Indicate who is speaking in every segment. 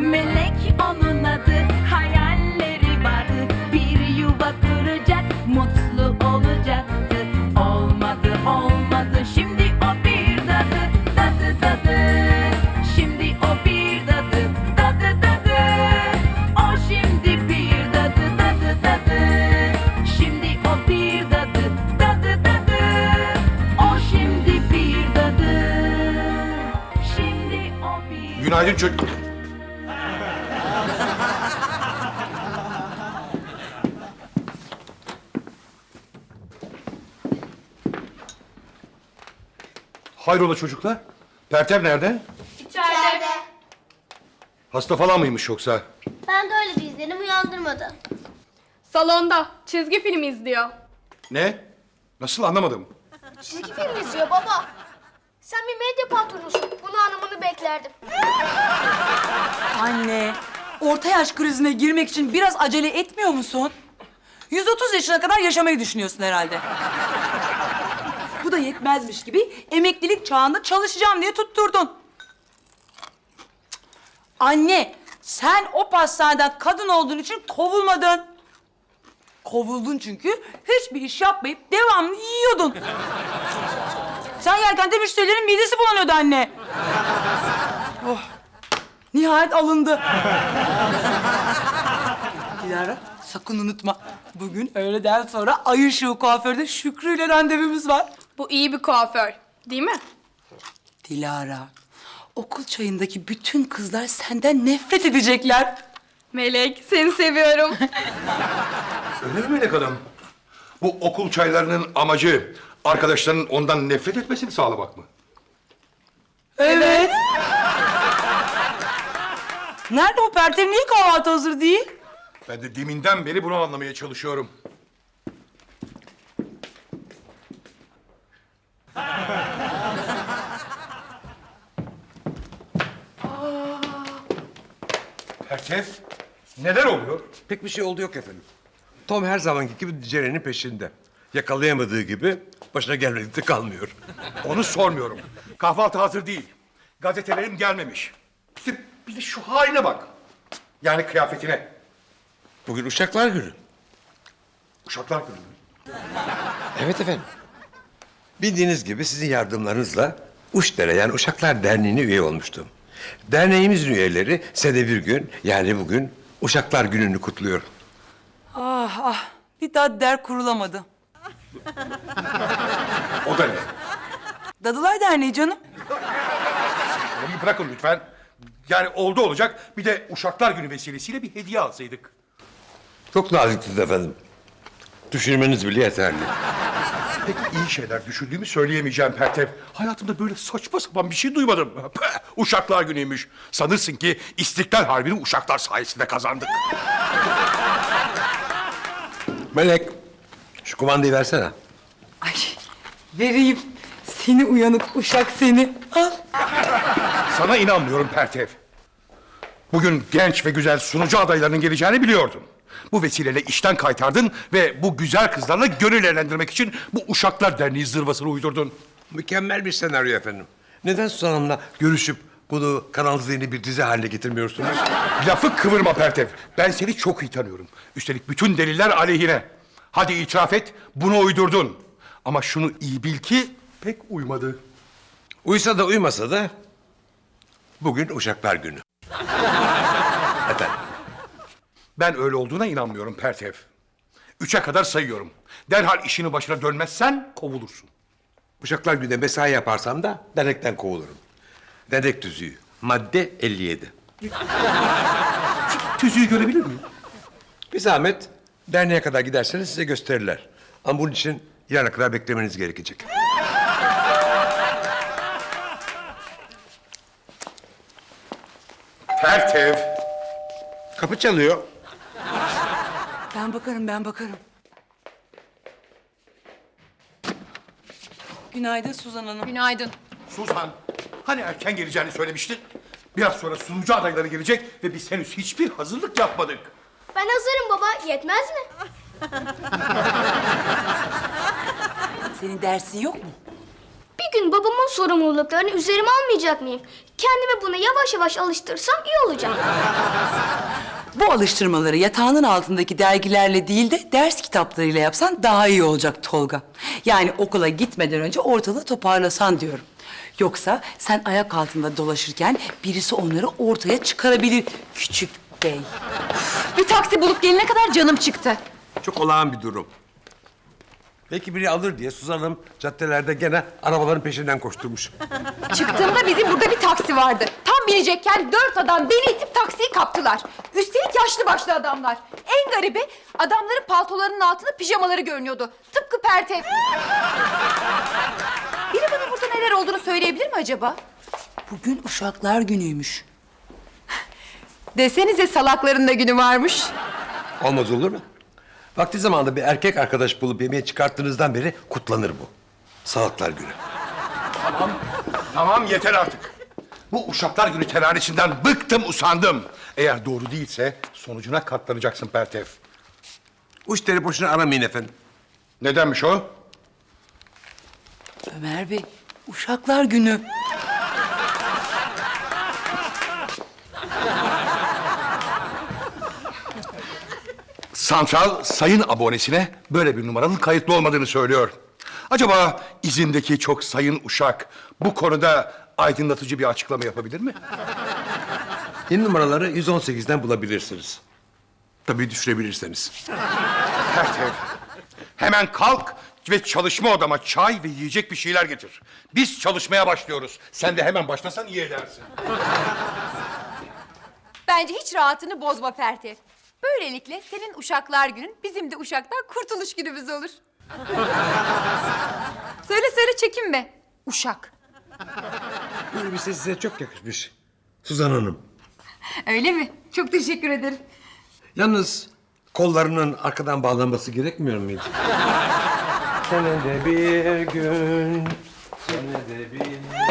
Speaker 1: Melek onun adı, hayalleri vardı. Bir yuva kuracak, mutlu olacaktı. Olmadı olmadı, şimdi o bir dadı. Dadı dadı, şimdi o bir dadı. Dadı dadı, o şimdi bir dadı. Dadı dadı, şimdi o bir dadı. Dadı dadı, o şimdi bir dadı. Şimdi o bir...
Speaker 2: Günaydın çocuk. Hayrola çocuklar? Pertev nerede?
Speaker 3: İçeride.
Speaker 2: Hasta falan mıymış yoksa?
Speaker 3: Ben de öyle bir izlenim uyandırmadı.
Speaker 4: Salonda çizgi film izliyor.
Speaker 2: Ne? Nasıl anlamadım.
Speaker 3: Çizgi film izliyor baba. Sen bir medya patronusun. Bunu anlamını beklerdim.
Speaker 5: Anne, orta yaş krizine girmek için biraz acele etmiyor musun? 130 yaşına kadar yaşamayı düşünüyorsun herhalde. Bu da yetmezmiş gibi emeklilik çağında çalışacağım diye tutturdun. Anne, sen o pastaneden kadın olduğun için kovulmadın. Kovuldun çünkü hiçbir iş yapmayıp devamlı yiyordun. Sen yerken de müşterilerin midesi bulanıyordu anne. Oh, nihayet alındı. Dilara, sakın unutma. Bugün öğleden sonra Ay Işığı kuaförde Şükrü ile randevumuz var.
Speaker 4: Bu iyi bir kuaför, değil mi?
Speaker 5: Dilara, okul çayındaki bütün kızlar senden nefret edecekler.
Speaker 4: Melek, seni seviyorum.
Speaker 2: Öyle mi Melek Hanım? Bu okul çaylarının amacı arkadaşlarının ondan nefret etmesini sağlamak mı?
Speaker 5: Evet. Nerede bu Pertev? Niye kahvaltı hazır değil?
Speaker 2: Ben de deminden beri bunu anlamaya çalışıyorum. Pertev, neler oluyor?
Speaker 6: Pek bir şey oldu yok efendim. Tom her zamanki gibi Ceren'in peşinde. Yakalayamadığı gibi başına gelmedik de kalmıyor.
Speaker 2: Onu sormuyorum. Kahvaltı hazır değil. Gazetelerim gelmemiş. Bir de şu haline bak. Yani kıyafetine.
Speaker 6: Bugün Uşaklar Günü.
Speaker 2: Uşaklar Günü mü?
Speaker 6: Evet efendim. Bildiğiniz gibi sizin yardımlarınızla Uşdere yani Uşaklar Derneği'ne üye olmuştum. Derneğimizin üyeleri senede bir gün yani bugün Uşaklar Günü'nü kutluyor.
Speaker 5: Ah ah, bir daha der kurulamadı.
Speaker 2: O da ne?
Speaker 5: Dadılar Derneği canım.
Speaker 2: Onu bırakın lütfen. Yani oldu olacak bir de Uşaklar Günü vesilesiyle bir hediye alsaydık.
Speaker 6: Çok naziksiniz efendim. Düşürmeniz bile yeterli.
Speaker 2: Pek iyi şeyler düşündüğümü söyleyemeyeceğim Pertev. Hayatımda böyle saçma sapan bir şey duymadım. Püh, Uşaklar Günü'ymüş. Sanırsın ki İstiklal Harbi'ni Uşaklar sayesinde kazandık.
Speaker 6: Melek, şu kumandayı versene.
Speaker 5: Ay, vereyim. Seni uyanık uşak seni. Al.
Speaker 2: Sana inanmıyorum Pertev. Bugün genç ve güzel sunucu adaylarının geleceğini biliyordun. Bu vesileyle işten kaytardın ve bu güzel kızlarla gönül eğlendirmek için bu Uşaklar Derneği zırvasını uydurdun.
Speaker 6: Mükemmel bir senaryo efendim. Neden Suzan Hanım'la görüşüp bunu Kanal Z'ni bir dizi haline getirmiyorsunuz?
Speaker 2: Lafı kıvırma Pertev. Ben seni çok iyi tanıyorum. Üstelik bütün deliller aleyhine. Hadi itiraf et, bunu uydurdun. Ama şunu iyi bil ki pek uymadı.
Speaker 6: Uysa da uymasa da bugün Uşaklar Günü. Efendim,
Speaker 2: Ben öyle olduğuna inanmıyorum Pertev. 3'e kadar sayıyorum. Derhal işinin başına dönmezsen kovulursun.
Speaker 6: Uşaklar Günü'nde mesai yaparsam da dernekten kovulurum. Dernek tüzüğü, madde 57.
Speaker 2: Tüzüğü görebilir miyim?
Speaker 6: Bir zahmet derneğe kadar giderseniz size gösterirler. Ama bunun için yarına kadar beklemeniz gerekecek.
Speaker 2: Pertev.
Speaker 6: Kapı çalıyor.
Speaker 5: Ben bakarım, ben bakarım. Günaydın Suzan Hanım.
Speaker 4: Günaydın.
Speaker 2: Suzan, hani erken geleceğini söylemiştin? Biraz sonra sunucu adayları gelecek ve biz henüz hiçbir hazırlık yapmadık.
Speaker 3: Ben hazırım baba. Yetmez mi?
Speaker 5: Senin dersin yok mu?
Speaker 3: Bir bir gün babamın sorumluluklarını üzerime almayacak mıyım? Kendimi buna yavaş yavaş alıştırsam iyi olacak.
Speaker 5: Bu alıştırmaları yatağının altındaki dergilerle değil de ders kitaplarıyla yapsan daha iyi olacak Tolga. Yani okula gitmeden önce ortalığı toparlasan diyorum. Yoksa sen ayak altında dolaşırken birisi onları ortaya çıkarabilir küçük bey.
Speaker 7: Bir taksi bulup gelene kadar canım çıktı.
Speaker 6: Çok olağan bir durum. Belki biri alır diye Suzan Hanım caddelerde gene arabaların peşinden koşturmuş.
Speaker 7: Çıktığımda bizim burada bir taksi vardı. Tam binecekken 4 adam beni itip taksiyi kaptılar. Üstelik yaşlı başlı adamlar. En garibi adamların paltolarının altında pijamaları görünüyordu. Tıpkı Pertev. Biri bana burada neler olduğunu söyleyebilir mi acaba?
Speaker 5: Bugün Uşaklar Günü'ymüş.
Speaker 7: Desenize salakların da günü varmış.
Speaker 6: Olmaz olur mu? Vakti zamanında bir erkek arkadaş bulup yemeğe çıkarttığınızdan beri kutlanır bu. Salaklar Günü.
Speaker 2: Tamam yeter artık. Bu Uşaklar Günü teranesinden bıktım usandım. Eğer doğru değilse sonucuna katlanacaksın Pertev.
Speaker 6: Uçları boşuna aramayın efendim.
Speaker 2: Nedenmiş o?
Speaker 5: Ömer Bey, Uşaklar Günü.
Speaker 2: Santral sayın abonesine böyle bir numaranın kayıtlı olmadığını söylüyor. Acaba izindeki çok sayın Uşak bu konuda aydınlatıcı bir açıklama yapabilir mi?
Speaker 6: Yeni numaraları 118'den bulabilirsiniz. Tabii düşürebilirseniz.
Speaker 2: Pertev, hemen kalk ve çalışma odama çay ve yiyecek bir şeyler getir. Biz çalışmaya başlıyoruz. Sen de hemen başlasan iyi edersin.
Speaker 7: Bence hiç rahatını bozma Pertev. Böylelikle senin Uşaklar Günün bizim de Uşak'tan kurtuluş günümüz olur. söyle çekinme. Uşak.
Speaker 6: Bu elbise size çok yakışmış. Suzan Hanım.
Speaker 7: Öyle mi? Çok teşekkür ederim.
Speaker 6: Yalnız kollarının arkadan bağlanması gerekmiyor muydu? Senede bir gün, senede bir...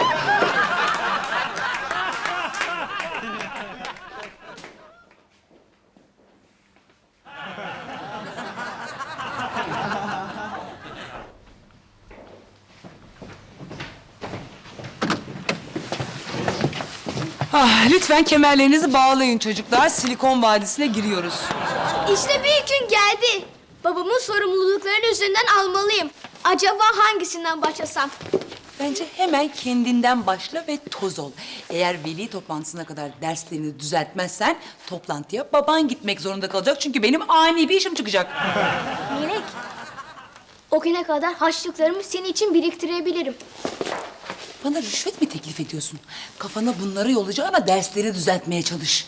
Speaker 5: Ah, lütfen kemerlerinizi bağlayın çocuklar. Silikon Vadisi'ne giriyoruz.
Speaker 3: İşte büyük gün geldi. Babamın sorumluluklarını üzerinden almalıyım. Acaba hangisinden başlasam?
Speaker 5: Bence hemen kendinden başla ve toz ol. Eğer veli toplantısına kadar derslerini düzeltmezsen toplantıya baban gitmek zorunda kalacak. Çünkü benim ani bir işim çıkacak.
Speaker 3: Melek, o güne kadar harçlıklarımı senin için biriktirebilirim.
Speaker 5: Bana rüşvet mi teklif ediyorsun? Kafana bunları yollayacağına dersleri düzeltmeye çalış.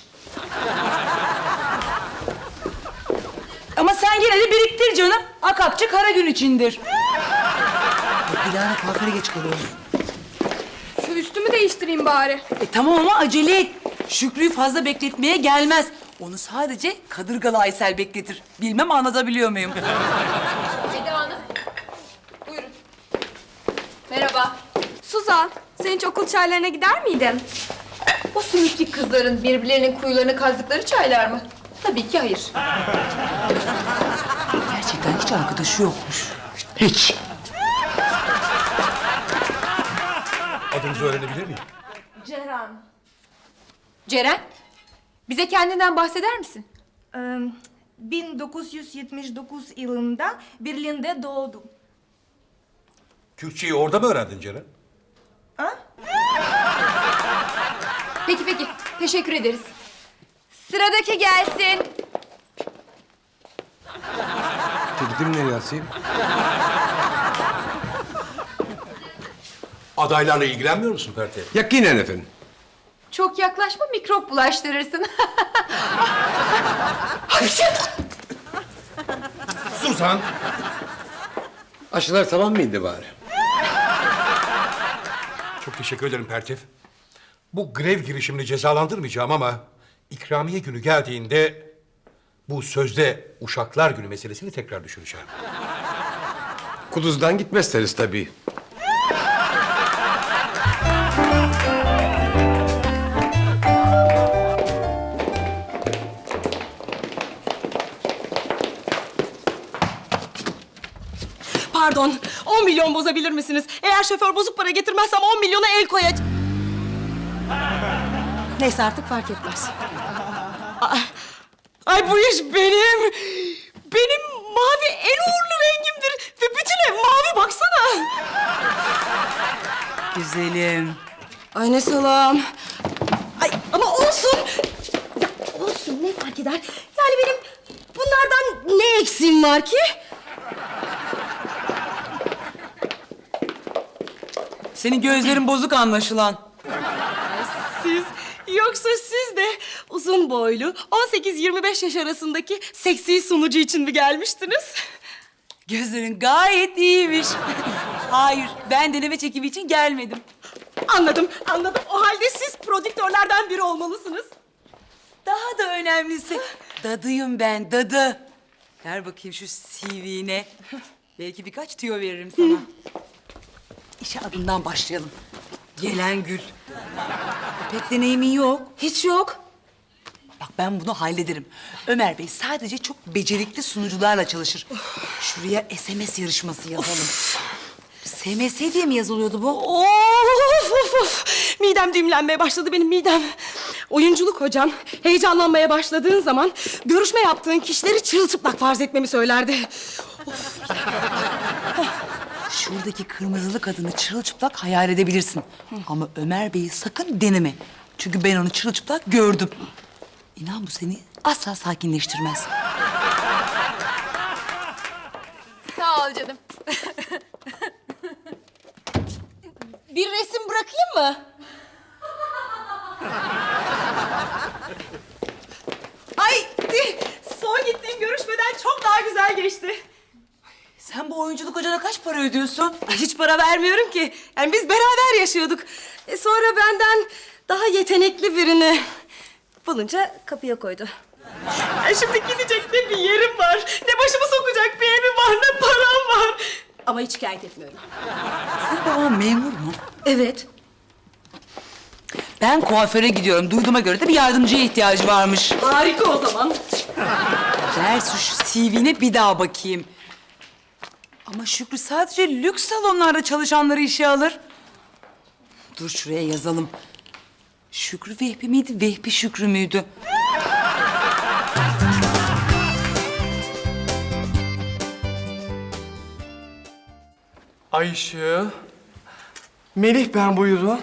Speaker 5: Ama sen yine de biriktir canım. Akakçı kara gün içindir. Dilara kuaföre geç kalıyoruz.
Speaker 4: Şu üstümü değiştireyim bari.
Speaker 5: Tamam ama acele et. Şükrü'yü fazla bekletmeye gelmez. Onu sadece Kadırgalı Aysel bekletir. Bilmem anlatabiliyor muyum?
Speaker 7: Eda Hanım. Buyurun. Merhaba.
Speaker 4: Suzan, sen hiç okul çaylarına gider miydin?
Speaker 7: O sümüklü kızların birbirlerinin kuyularını kazdıkları çaylar mı? Tabii ki hayır.
Speaker 5: Gerçekten hiç arkadaşı yokmuş.
Speaker 2: Hiç. Adınızı öğrenebilir miyim?
Speaker 7: Ceren, bize kendinden bahseder misin?
Speaker 8: 1979 yılında Berlin'de doğdum.
Speaker 2: Türkçeyi orada mı öğrendin Ceren?
Speaker 7: Peki. Teşekkür ederiz. Sıradaki gelsin.
Speaker 6: Teklifimi nereye asayım?
Speaker 2: Adaylarla ilgilenmiyor musun Pertev?
Speaker 6: Yakinen efendim.
Speaker 7: Çok yaklaşma, mikrop bulaştırırsın.
Speaker 2: Suzan!
Speaker 6: Aşılar tamam mıydı bari?
Speaker 2: Çok teşekkür ederim Pertev. Bu grev girişimini cezalandırmayacağım ama ikramiye günü geldiğinde bu sözde Uşaklar Günü meselesini tekrar düşüneceğim.
Speaker 6: Kuduz'dan gitmezseniz tabii.
Speaker 5: Pardon.
Speaker 9: Pardon, 10 milyon bozabilir misiniz? Eğer şoför bozuk para getirmezsem 10 milyona el koyacağım. Neyse artık fark etmez. Ay bu iş benim. Benim mavi en uğurlu rengimdir. Ve bütün ev mavi baksana.
Speaker 5: Güzelim.
Speaker 9: Ay ne salam. Ay ama olsun. Ya olsun ne fark eder? Yani benim bunlardan ne eksiğim var ki?
Speaker 5: Senin gözlerin bozuk anlaşılan.
Speaker 9: Siz yoksa siz de uzun boylu 18-25 yaş arasındaki seksi sunucu için mi gelmiştiniz?
Speaker 5: Gözlerin gayet iyiymiş. Hayır, ben deneme çekimi için gelmedim.
Speaker 9: Anladım, anladım. O halde siz prodüktörlerden biri olmalısınız.
Speaker 5: Daha da önemlisi, dadıyım ben, dadı. Ver bakayım şu CV'ne. Belki birkaç tüyo veririm sana. İşe adından başlayalım. Gelen Gül. Pek deneyimin yok.
Speaker 9: Hiç yok.
Speaker 5: Bak ben bunu hallederim. Ömer Bey sadece çok becerikli sunucularla çalışır. Şuraya SMS yarışması yazalım. SMS diye mi yazılıyordu bu?
Speaker 9: Of. Midem düğümlenmeye başladı benim midem. Oyunculuk hocam heyecanlanmaya başladığın zaman görüşme yaptığın kişileri çırılçıplak farz etmemi söylerdi.
Speaker 5: Şuradaki kırmızılı kadını çırılçıplak hayal edebilirsin. Ama Ömer Bey'i sakın deneme. Çünkü ben onu çırılçıplak gördüm. İnan bu seni asla sakinleştirmez.
Speaker 7: Sağ ol canım.
Speaker 9: Bir resim bırakayım mı? Ay son gittiğim görüşmeden çok daha güzel geçti.
Speaker 5: Sen bu oyunculuk hocana kaç para ödüyorsun?
Speaker 9: Ay, hiç para vermiyorum ki. Yani biz beraber yaşıyorduk. Sonra benden daha yetenekli birini bulunca kapıya koydu. Şimdi gidecek ne bir yerim var, ne başımı sokacak bir evim var, ne param var. Ama hiç şikayet etmiyorum.
Speaker 5: Senin baban memur mu?
Speaker 9: Evet.
Speaker 5: Ben kuaföre gidiyorum. Duyduğuma göre de bir yardımcıya ihtiyacı varmış.
Speaker 9: Harika o zaman.
Speaker 5: Ver şu CV'ne bir daha bakayım. Ama Şükrü sadece lüks salonlarda çalışanları işe alır. Dur şuraya yazalım. Şükrü Vehbi miydi, Vehbi Şükrü müydü?
Speaker 10: Ayşe. Melih ben buyurun.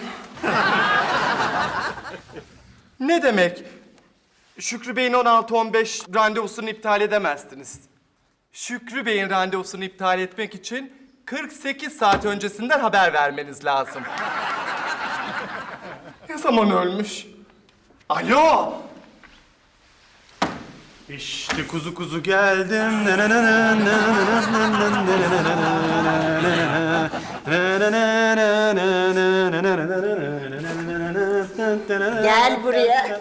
Speaker 10: Ne demek? Şükrü Bey'in 16-15 randevusunu iptal edemezsiniz. Şükrü Bey'in randevusunu iptal etmek için 48 saat öncesinden haber vermeniz lazım. Ne zaman ölmüş? Alo!
Speaker 11: İşte kuzu kuzu geldim.
Speaker 12: Gel buraya.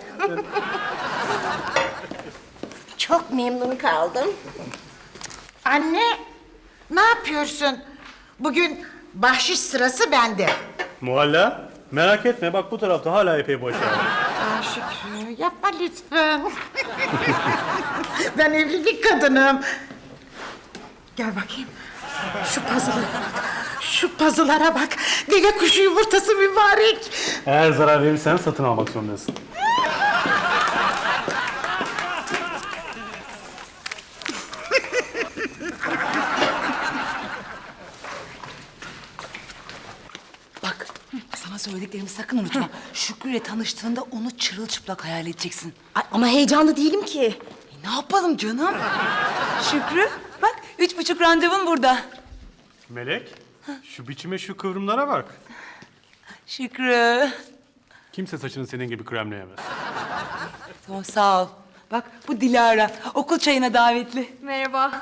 Speaker 12: Çok memnun kaldım. Anne, ne yapıyorsun? Bugün bahşiş sırası bende.
Speaker 11: Muhalla, merak etme bak bu tarafta hala epey boş yer.
Speaker 12: Aa, Şükrü, yapma lütfen. Ben evli bir kadınım. Gel bakayım. Şu pazılara bak. Şu pazılara bak. Deve kuşu yumurtası mübarek.
Speaker 11: Eğer zarar verirsen satın almak zorundasın.
Speaker 5: Bak, sana söylediklerimi sakın unutma. Şükrü'yle tanıştığında onu çırılçıplak hayal edeceksin.
Speaker 9: Ay, ama heyecanlı değilim ki.
Speaker 5: Ne yapalım canım? Şükrü, bak 3,5 randevun burada.
Speaker 11: Melek, şu biçime şu kıvrımlara bak.
Speaker 5: Şükrü.
Speaker 11: Kimse saçını senin gibi kremleyemez.
Speaker 5: Tamam, sağ ol. Bak bu Dilara, okul çayına davetli.
Speaker 4: Merhaba.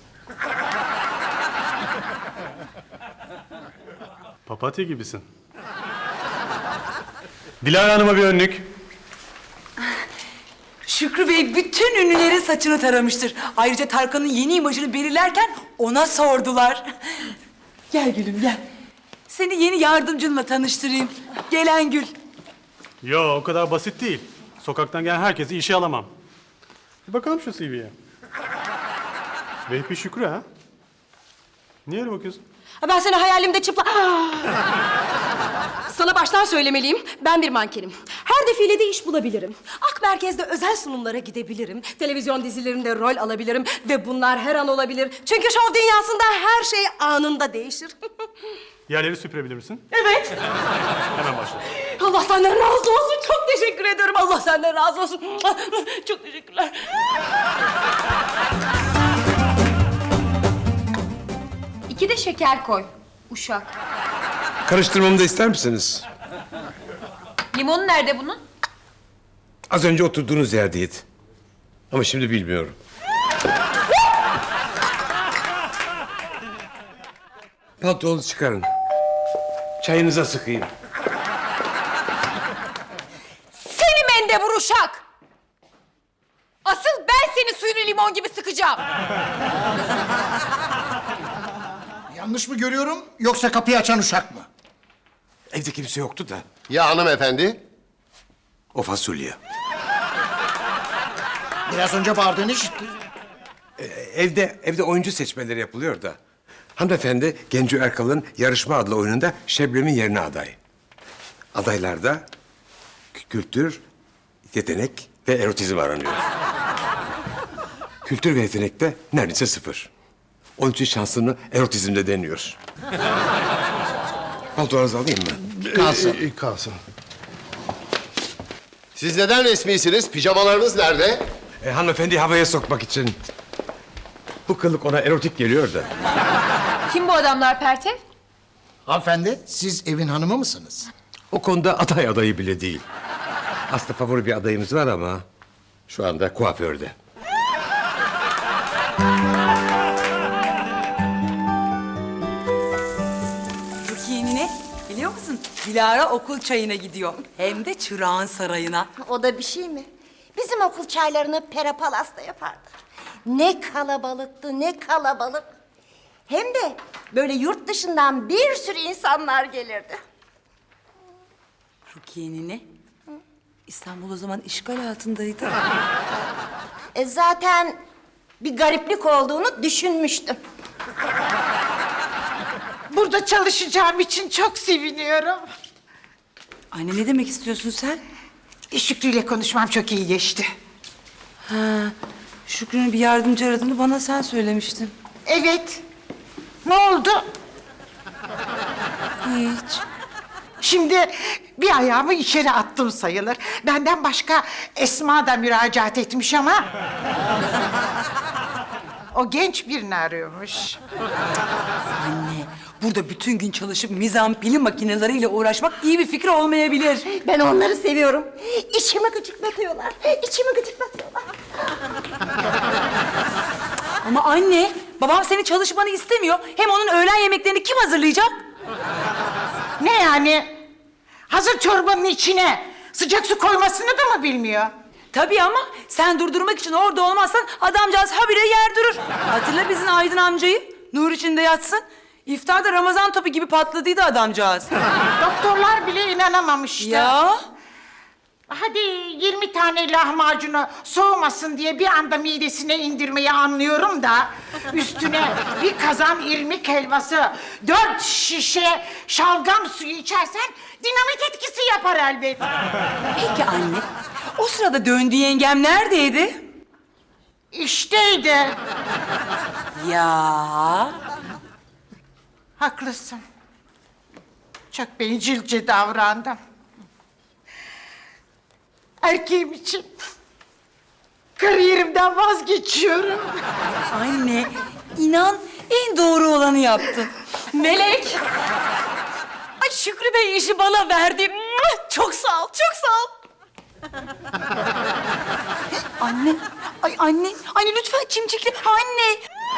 Speaker 11: Papatya gibisin. Dilara Hanım'a bir önlük.
Speaker 5: Şükrü Bey bütün ünlülerin saçını taramıştır. Ayrıca Tarkan'ın yeni imajını belirlerken ona sordular. Gel gülüm gel. Seni yeni yardımcınla tanıştırayım. Gelen Gül.
Speaker 11: Yo o kadar basit değil. Sokaktan gelen herkesi işe alamam. Bir bakalım şu CV'ye. Vehbi Şükrü ha? Niye öyle bakıyorsun?
Speaker 9: Ben seni hayalimde çıplak... Sana baştan söylemeliyim, ben bir mankenim. Her defilede iş bulabilirim. Ak Merkez'de özel sunumlara gidebilirim. Televizyon dizilerinde rol alabilirim. Ve bunlar her an olabilir. Çünkü şov dünyasında her şey anında değişir.
Speaker 11: Yerleri süpürebilir misin?
Speaker 9: Evet.
Speaker 11: Hemen başla.
Speaker 9: Allah senden razı olsun. Çok teşekkür ediyorum. Allah senden razı olsun. Çok teşekkürler.
Speaker 7: İki de şeker koy. Uşak.
Speaker 6: Karıştırmamı da ister misiniz?
Speaker 7: Limonu nerede bunun?
Speaker 6: Az önce oturduğunuz yerdeydi. Ama şimdi bilmiyorum. Pantolonu çıkarın. Çayınıza sıkayım.
Speaker 7: Seni mendebur uşak! Asıl ben senin suyunu limon gibi sıkacağım.
Speaker 13: Yanlış mı görüyorum yoksa kapıyı açan uşak mı?
Speaker 6: Evde kimse yoktu da.
Speaker 14: Ya hanımefendi?
Speaker 6: O fasulye.
Speaker 13: Biraz önce bağırdığını işittim.
Speaker 6: Evde oyuncu seçmeleri yapılıyor da. Hanımefendi Genco Erkal'ın Yarışma adlı oyununda Şebnem'in yerine aday. Adaylarda kültür, yetenek ve erotizm aranıyor. Kültür ve yetenekte neredeyse 0. Onun için şansını erotizmde deniyor. Paltonuzu alayım mı?
Speaker 13: Kalsın.
Speaker 14: Kalsın. Siz neden resmisiniz? Pijamalarınız nerede?
Speaker 6: Hanımefendi havaya sokmak için. Bu kılık ona erotik geliyor da.
Speaker 7: Kim bu adamlar Pertev?
Speaker 13: Hanımefendi, siz evin hanımı mısınız?
Speaker 6: O konuda aday adayı bile değil. Aslında favori bir adayımız var ama şu anda kuaförde.
Speaker 5: Rukiye'nine biliyor musun? Dilara okul çayına gidiyor. Hem de Çırağan Sarayı'na.
Speaker 12: O da bir şey mi? Bizim okul çaylarını Pera Palas'ta yapardı. Ne kalabalıktı, ne kalabalık. Hem de böyle yurt dışından bir sürü insanlar gelirdi.
Speaker 5: Rukiye'nine İstanbul o zaman işgal altındaydı.
Speaker 12: Zaten bir gariplik olduğunu düşünmüştüm. Burada çalışacağım için çok seviniyorum.
Speaker 5: Anne ne demek istiyorsun sen?
Speaker 12: Şükrü ile konuşmam çok iyi geçti.
Speaker 5: Şükrü'nün bir yardımcı aradığını bana sen söylemiştin.
Speaker 12: Evet. Ne oldu?
Speaker 5: Hiç.
Speaker 12: Şimdi bir ayağımı içeri attım sayılır. Benden başka Esma da müracaat etmiş ama... o genç birini arıyormuş.
Speaker 5: Anne, burada bütün gün çalışıp mizan pili makineleriyle uğraşmak iyi bir fikir olmayabilir.
Speaker 12: Ben onları seviyorum. İçimi gıcıklatıyorlar. İçimi gıcıklatıyorlar.
Speaker 5: Ama anne, babam senin çalışmanı istemiyor. Hem onun öğlen yemeklerini kim hazırlayacak?
Speaker 12: Ne yani? Hazır çorbanın içine sıcak su koymasını da mı bilmiyor?
Speaker 5: Tabii ama sen durdurmak için orada olmazsan adamcağız habire yer durur. Hatırla bizim Aydın amcayı. Nur içinde yatsın. İftarda Ramazan topu gibi patladıydı adamcağız.
Speaker 12: Doktorlar bile inanamamıştı.
Speaker 5: Ya?
Speaker 12: Hadi 20 tane lahmacunu soğumasın diye bir anda midesine indirmeyi anlıyorum da... üstüne bir kazan irmik helvası, 4 şişe şalgam suyu içersen dinamit etkisi yapar elbet.
Speaker 5: Peki anne, o sırada döndüğü yengem neredeydi?
Speaker 12: İşteydi.
Speaker 5: Ya.
Speaker 12: Haklısın. Çok bencilce davrandım. Erkeğim için kariyerimden vazgeçiyorum.
Speaker 5: Anne, inan en doğru olanı yaptın.
Speaker 9: Melek! Ay Şükrü Bey işi bana verdi. Çok sağ ol, çok sağ ol.
Speaker 5: Anne, ay anne, anne lütfen çimçikle. Anne.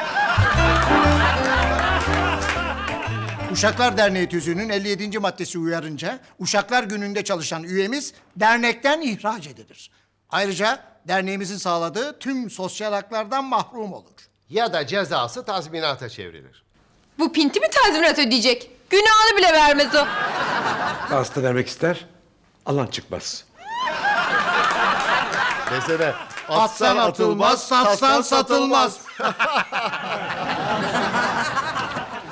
Speaker 13: Uşaklar Derneği tüzüğünün 57. maddesi uyarınca Uşaklar Günü'nde çalışan üyemiz dernekten ihraç edilir. Ayrıca derneğimizin sağladığı tüm sosyal haklardan mahrum olur.
Speaker 14: Ya da cezası tazminata çevrilir.
Speaker 7: Bu pinti mi tazminat ödeyecek? Günahını bile vermez o.
Speaker 6: Hasta vermek ister, alan çıkmaz.
Speaker 14: Desene,
Speaker 13: Atsan atılmaz, satsan satılmaz.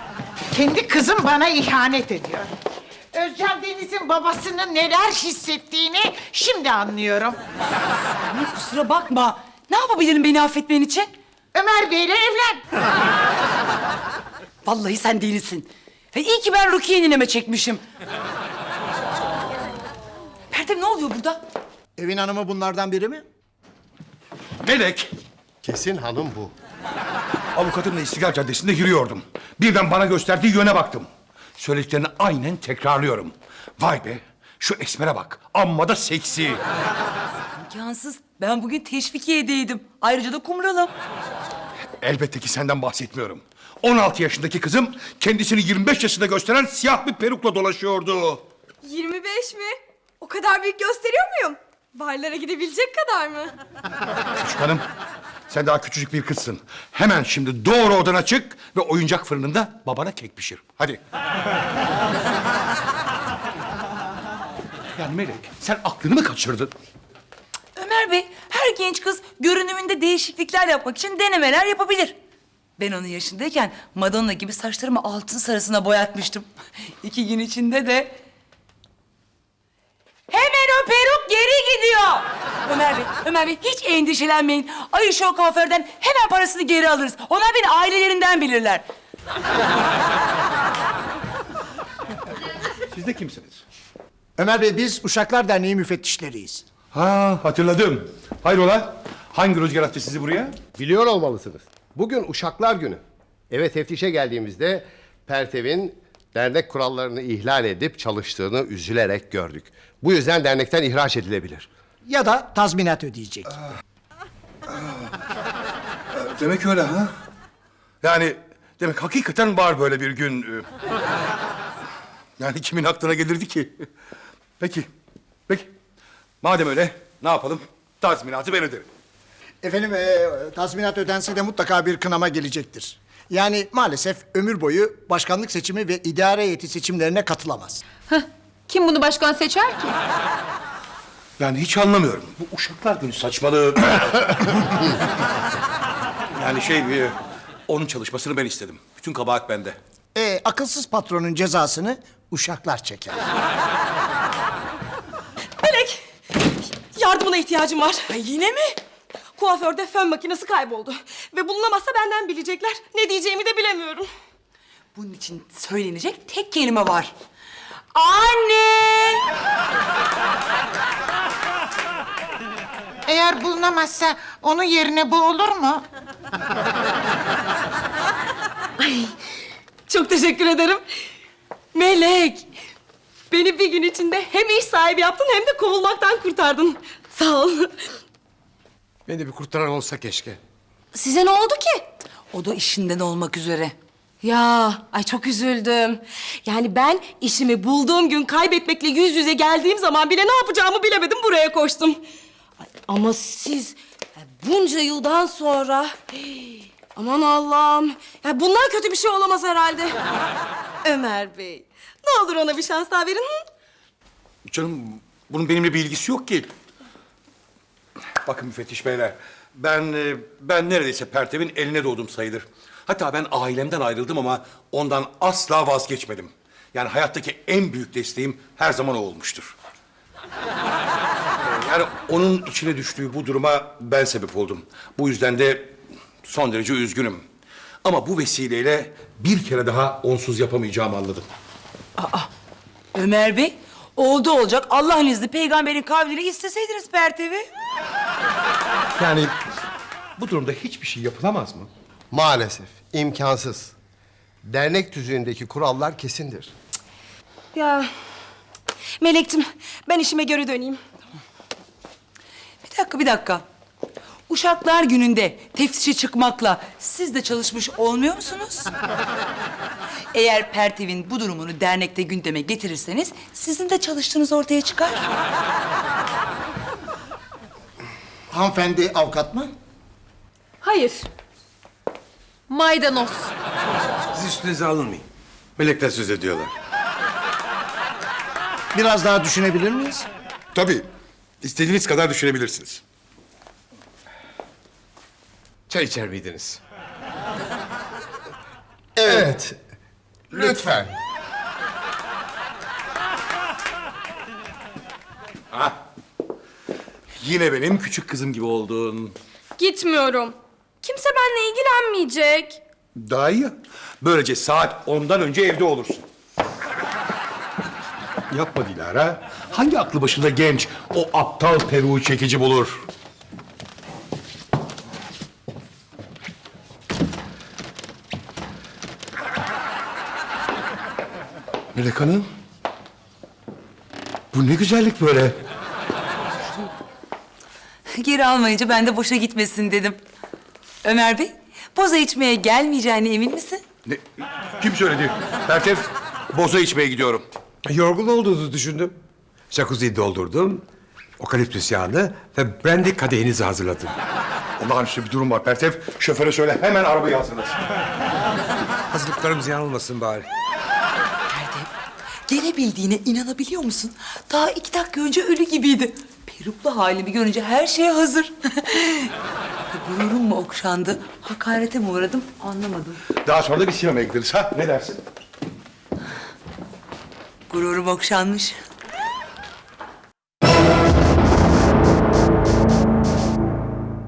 Speaker 12: Kendi kızım bana ihanet ediyor. Özcan Deniz'in babasının neler hissettiğini şimdi anlıyorum.
Speaker 5: Anne kusura bakma. Ne yapabilirim beni affetmen için?
Speaker 12: Ömer Bey'le evlen.
Speaker 5: Vallahi sen delisin. Ve iyi ki ben Rukiye nineme çekmişim. Pertev ne oluyor burada?
Speaker 13: Evin hanımı bunlardan biri mi?
Speaker 2: Melek,
Speaker 14: Kesin hanım bu.
Speaker 2: avukatımla İstiklal Caddesi'nde yürüyordum. Birden bana gösterdiği yöne baktım. Söylediklerini aynen tekrarlıyorum. Vay be, şu esmere bak. Amma da seksi.
Speaker 5: İmkansız. Ben bugün teşvikiyedeydim. Ayrıca da kumralım.
Speaker 2: Elbette ki senden bahsetmiyorum. 16 yaşındaki kızım kendisini 25 yaşında gösteren siyah bir perukla dolaşıyordu.
Speaker 4: 25 mi? O kadar büyük gösteriyor muyum? Barlara gidebilecek kadar mı?
Speaker 2: Küçük hanım, sen daha küçücük bir kızsın. Hemen şimdi doğru odana çık ve oyuncak fırınında babana kek pişir. Hadi. Yani Melek, sen aklını mı kaçırdın?
Speaker 5: Ömer Bey, her genç kız görünümünde değişiklikler yapmak için denemeler yapabilir. Ben onun yaşındayken Madonna gibi saçlarımı altın sarısına boyatmıştım. 2 gün içinde de... Hemen o peruk geri gidiyor. Ömer Bey hiç endişelenmeyin. Ayşe o kuaförden hemen parasını geri alırız. Onlar beni ailelerinden bilirler.
Speaker 2: Siz de kimsiniz?
Speaker 13: Ömer Bey, biz Uşaklar Derneği müfettişleriyiz.
Speaker 2: Ha, hatırladım. Hayrola? Hangi rüzgar attı sizi buraya?
Speaker 14: Biliyor olmalısınız. Bugün Uşaklar Günü. Eve teftişe geldiğimizde Pertev'in dernek kurallarını ihlal edip çalıştığını üzülerek gördük. Bu yüzden dernekten ihraç edilebilir.
Speaker 13: Ya da tazminat ödeyecek.
Speaker 2: Demek öyle ha? Yani demek hakikaten var böyle bir gün. Yani kimin aklına gelirdi ki? Peki. Madem öyle ne yapalım? Tazminatı ben öderim.
Speaker 13: Efendim, tazminat ödense de mutlaka bir kınama gelecektir. Yani maalesef ömür boyu başkanlık seçimi ve idare heyeti seçimlerine katılamaz.
Speaker 7: Kim bunu başkan seçer ki?
Speaker 2: Yani hiç anlamıyorum. Bu Uşaklar Günü saçmalığı. Yani onun çalışmasını ben istedim. Bütün kabahat bende.
Speaker 13: Akılsız patronun cezasını uşaklar çeker.
Speaker 9: Melek, yardımına ihtiyacım var. Yine mi? Kuaförde fön makinesi kayboldu. Ve bulunamazsa benden bilecekler. Ne diyeceğimi de bilemiyorum.
Speaker 5: Bunun için söylenecek tek kelime var. Anne!
Speaker 12: Eğer bulunamazsa onun yerine bu olur mu?
Speaker 9: Çok teşekkür ederim. Melek, beni bir gün içinde hem iş sahibi yaptın hem de kovulmaktan kurtardın. Sağ ol.
Speaker 6: Beni de bir kurtaran olsa keşke.
Speaker 9: Size ne oldu ki?
Speaker 5: O da işinden olmak üzere.
Speaker 9: Ya, ay çok üzüldüm. Yani ben işimi bulduğum gün kaybetmekle yüz yüze geldiğim zaman bile ne yapacağımı bilemedim, buraya koştum. Ay, ama siz bunca yıldan sonra... Aman Allah'ım. Ya bundan kötü bir şey olamaz herhalde. Ömer Bey, ne olur ona bir şans daha verin. Hı?
Speaker 2: Canım bunun benimle bir ilgisi yok ki. Bakın müfettiş beyler. Ben neredeyse Pertev'in eline doğdum sayılır. Hatta ben ailemden ayrıldım ama ondan asla vazgeçmedim. Yani hayattaki en büyük desteğim her zaman o olmuştur. Yani onun içine düştüğü bu duruma ben sebep oldum. Bu yüzden de son derece üzgünüm. Ama bu vesileyle bir kere daha onsuz yapamayacağımı anladım.
Speaker 5: Ömer Bey, oldu olacak. Allah'ın izni peygamberin kavliyle isteseydiniz Pertev'i.
Speaker 2: Yani bu durumda hiçbir şey yapılamaz mı?
Speaker 14: Maalesef imkansız. Dernek tüzüğündeki kurallar kesindir.
Speaker 9: Ya Melek'cim, ben işime geri döneyim.
Speaker 5: Bir dakika. Uşaklar Günü'nde teftişe çıkmakla siz de çalışmış olmuyor musunuz? Eğer Pertev'in bu durumunu dernekte gündeme getirirseniz sizin de çalıştığınız ortaya çıkar.
Speaker 13: Hanımefendi avukat mı?
Speaker 9: Hayır.
Speaker 7: Maydanoz.
Speaker 6: Siz üstünüze alınmayın. Melekler söz ediyorlar.
Speaker 13: Biraz daha düşünebilir miyiz?
Speaker 2: Tabii. İstediğiniz kadar düşünebilirsiniz.
Speaker 6: Çay içer miydiniz?
Speaker 14: Evet. Lütfen.
Speaker 2: Yine benim küçük kızım gibi oldun.
Speaker 4: Gitmiyorum. Kimse benimle ilgilenmeyecek.
Speaker 2: Daha iyi ya. Böylece saat 10'dan önce evde olursun. Yapma Dilara. Hangi aklı başında genç o aptal peruğu çekici bulur? Melek Hanım. Bu ne güzellik böyle.
Speaker 5: Geri almayınca ben de boşa gitmesin dedim. Ömer Bey, boza içmeye gelmeyeceğine emin misin?
Speaker 2: Ne? Kim söyledi? Pertev, boza içmeye gidiyorum.
Speaker 6: Yorgun olduğunuzu düşündüm. Jacuzziyi doldurdum. Okaliptüs yağını ve brandy kadehinizi hazırladım.
Speaker 2: Olağanüstü bir durum var Pertev. Şoföre söyle hemen arabayı hazırlasın.
Speaker 6: Hazırlıklarım ziyan olmasın bari.
Speaker 5: Gelebildiğine inanabiliyor musun? Daha 2 dakika önce ölü gibiydi. Peruklu halimi görünce her şeye hazır. Gururum mu okşandı, hakarete mi uğradım anlamadım.
Speaker 2: Daha sonra da bir sinemaya gideriz ha? Ne dersin?
Speaker 5: Gururum okşanmış.